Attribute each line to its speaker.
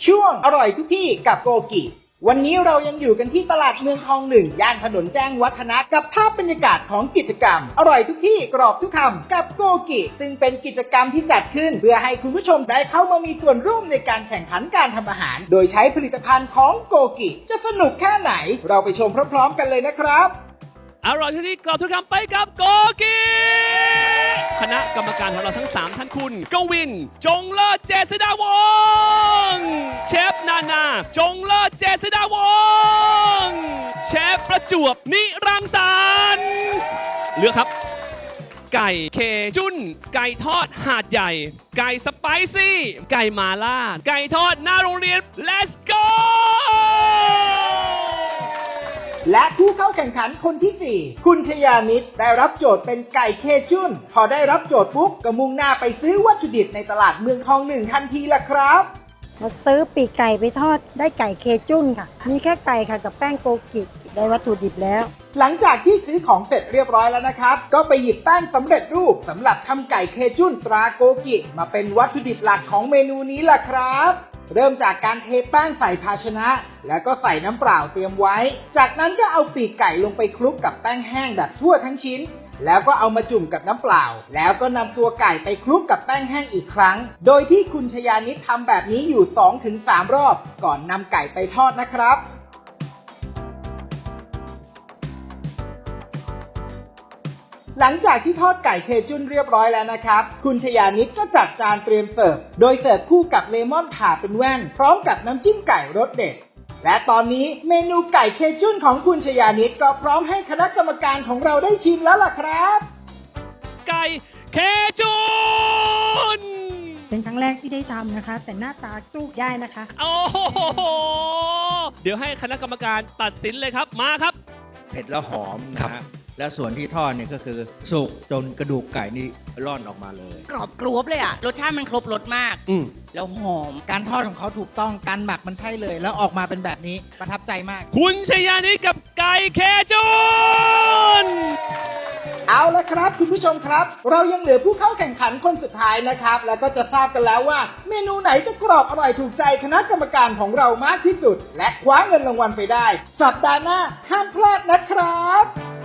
Speaker 1: ช่วงอร่อยทุกที่กับโกกิวันนี้เรายังอยู่กันที่ตลาดเมืองทองหนึ่งย่านถนนแจ้งวัฒนะกับภาพบรรยากาศของกิจกรรมอร่อยทุกที่กรอบทุกคำกับโกกิซึ่งเป็นกิจกรรมที่จัดขึ้นเพื่อให้คุณผู้ชมได้เข้ามามีส่วนร่วมในการแข่งขันการทำอาหารโดยใช้ผลิตภัณฑ์ของโกกิจะสนุกแค่ไหนเราไปชมพร้อมๆกันเลยนะครับ
Speaker 2: อร่อยที่กรอบทุกคำไปกับโกกิคณะกรรมการของเราทั้ง3ท่านคุณกวินจงเลิศเจษฎาวงศ์เชฟนาจงเลิศเจษฎาวงศ์เชฟประจวบนิรังสรรค์เลือกครับไก่เคจุนไก่ทอดหาดใหญ่ไก่สไปซี่ไก่มาล่าไก่ทอดหน้าโรงเรียน Let's go
Speaker 1: และผู้เข้าแข่งขันคนที่ 4 คุณชยานิตได้รับโจทย์เป็นไก่เคจุนพอได้รับโจทย์ปุ๊บก็มุ่งหน้าไปซื้อวัตถุดิบในตลาดเมืองทองหนึ่งทันทีละครับ
Speaker 3: มาซื้อปีกไก่ไปทอดได้ไก่เคจุนค่ะมีแค่ไก่ค่ะกับแป้งโกกิได้วัตถุดิบแล้ว
Speaker 1: หลังจากที่ซื้อของเสร็จเรียบร้อยแล้วนะครับก็ไปหยิบแป้งสำเร็จรูปสำหรับทำไก่เคจุนตราโกกิมาเป็นวัตถุดิบหลักของเมนูนี้ล่ะครับเริ่มจากการเทแป้งใส่ภาชนะแล้วก็ใส่น้ำเปล่าเตรียมไว้จากนั้นก็เอาปีกไก่ลงไปคลุกกับแป้งแห้งแบบทั่วทั้งชิ้นแล้วก็เอามาจุ่มกับน้ำเปล่าแล้วก็นำตัวไก่ไปคลุกกับแป้งแห้งอีกครั้งโดยที่คุณชยานิตทำแบบนี้อยู่ 2-3 รอบก่อนนำไก่ไปทอดนะครับหลังจากที่ทอดไก่เคจุนเรียบร้อยแล้วนะครับคุณชยานิตก็จัดจานเตรียมเสิร์ฟโดยเสิร์ฟคู่กับเลมอนผ่าเป็นแว่นพร้อมกับน้ำจิ้มไก่รสเด็ดและตอนนี้เมนูไก่เคจุนของคุณชยานิตก็พร้อมให้คณะกรรมการของเราได้ชิมแล้วล่ะครับ
Speaker 2: ไก่เคจุน
Speaker 3: เป็นครั้งแรกที่ได้ทำนะคะแต่หน้าตาสู้ได้นะคะ
Speaker 2: โอ้โหเดี๋ยวให้คณะกรรมการตัดสินเลยครับมาครับ
Speaker 4: เผ็ดแล้วหอมนะฮะและส่วนที่ทอดเนี่ยก็คือสุกจนกระดูกไก่นี่ร่อนออกมาเลย
Speaker 5: กรอบกรอบเลยอ่ะรสชาติมันครบรสมากแล้วหอม
Speaker 6: การทอดของเขาถูกต้องการหมักมันใช่เลยแล้วออกมาเป็นแบบนี้ประทับใจมาก
Speaker 2: คุณชยานิตกับไก่เคจุน
Speaker 1: เอาละครับคุณผู้ชมครับเรายังเหลือผู้เข้าแข่งขันคนสุดท้ายนะครับแล้วก็จะทราบกันแล้วว่าเมนูไหนจะกรอบอร่อยถูกใจคณะกรรมการของเรามากที่สุดและคว้าเงินรางวัลไปได้สัปดาห์หน้าห้ามพลาดนะครับ